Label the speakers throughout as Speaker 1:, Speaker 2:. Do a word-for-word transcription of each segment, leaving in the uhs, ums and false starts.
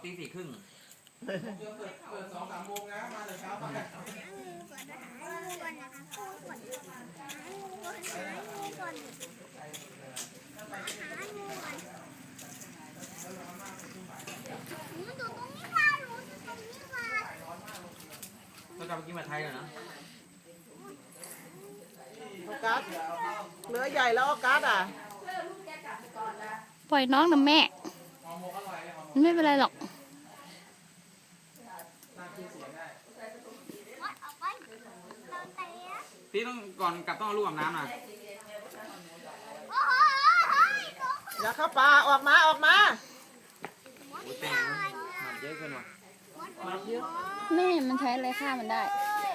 Speaker 1: ตีสี่ครึ่ง
Speaker 2: เปิดเปิดสองสามโมงนะมาแต่เช้าไปหางูก่อนนะคะหางูก่อนหางูก่อนหางูก่อนหางูก่อนหางูก่อนหนูอยู่ตรงนี้ค่ะหนูอยู่ตรงนี้ค่ะ
Speaker 1: ก็จะไปกินมาไทยเลยนะ
Speaker 3: ออกัสเนื้อใหญ่แล้วออกัสอ่ะ
Speaker 4: ปล่อยน้องนะแม่มันไม่เป็นไรหรอก
Speaker 1: พี่ต้องก่อนกลับต้องเอาลูกอาบน้ำนะ
Speaker 3: อย่าเข้าป่าออกมาออกมา
Speaker 1: โอ้ยแป้งมันเยอะเกินว่ะ
Speaker 4: แม่มันใช้อะไรฆ่ามันได้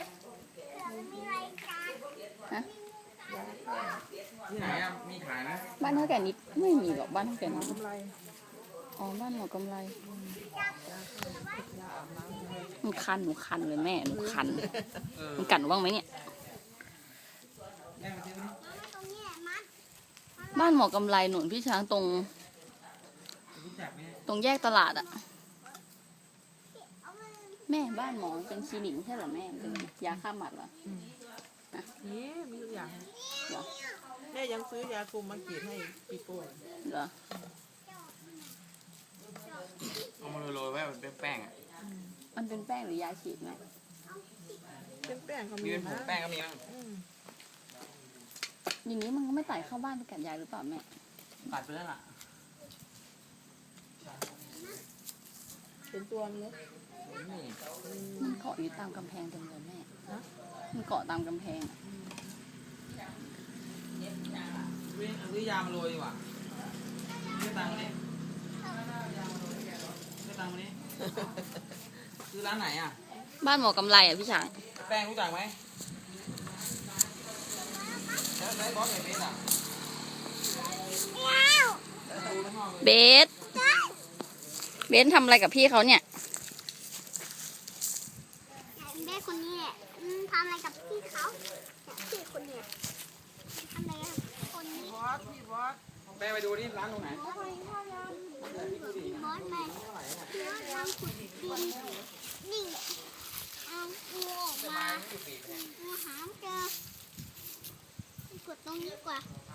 Speaker 4: ฮะ
Speaker 1: ที่ไหนอะมีขายไหม
Speaker 4: บ้านเท่าแก่นิดไม่มีหรอกบ้านเท่าแก่นิดอ๋อบ้านหมอกำไรหนูคันหนูคันเลยแม่หนูคันมันกัดหนูบ้างไหมเนี่ยบ้านหมอกำไรหนุนพี่ช้างตรงตรงแยกตลาดอะแม่บ้านหมอเป็นคลินิกใช่เหรอแม่เป็นยาฆ่าหมัดเหรอ
Speaker 3: นี่มีทุกอย่าง
Speaker 4: เหรอ
Speaker 3: แม่ยังซื้อยาคุมมาฉีดให้ปีโป้
Speaker 4: เหรอ
Speaker 1: เอามาโรยๆไว้มันเป็นแป้งอ่ะ
Speaker 4: มันเป็นแป้งหรือยาฉีดไหม
Speaker 3: เป็นแป้งก็
Speaker 1: มี
Speaker 3: มี
Speaker 1: เป็นผงแป้งก็มีมั้ง
Speaker 4: อย่างนี้มันก็ไม่ไต่เข้าบ้านไปกัดยายหรือเปล่าแม่
Speaker 1: กัดไปแล้วล่ะ
Speaker 3: เป็นตัวมันเลย
Speaker 4: มันเกาะอยู่ตามกำแพงเต็มเลยแม่มันเกาะตามกำแพง
Speaker 1: วิ่งซื้อยามาโรยดีกว่าซื้อตังค์มาดิซื้อตังค์มาดิซื้อร้านไหนอ่ะ
Speaker 4: บ้านหมอกำไรอ่ะพี่ช้าง
Speaker 1: แป้งรู้จักไหมแล้วไอ้บอสไอ้เบสอ่ะ
Speaker 4: เบสเบสทำอะไรกับพี่เขาเนี่ย
Speaker 2: เบสคนนี้แหละทำอะไรกับพี่เขาพี่คนนี้ทำอะไรกับคนนี้
Speaker 3: บอสพี่บอส
Speaker 1: แป้งไปดูนี่ร้านตรงไหน
Speaker 2: บอสแม่บอสทำขุดดินนี่เอางูออกมางูหามเจอกดตรงนี้กว่า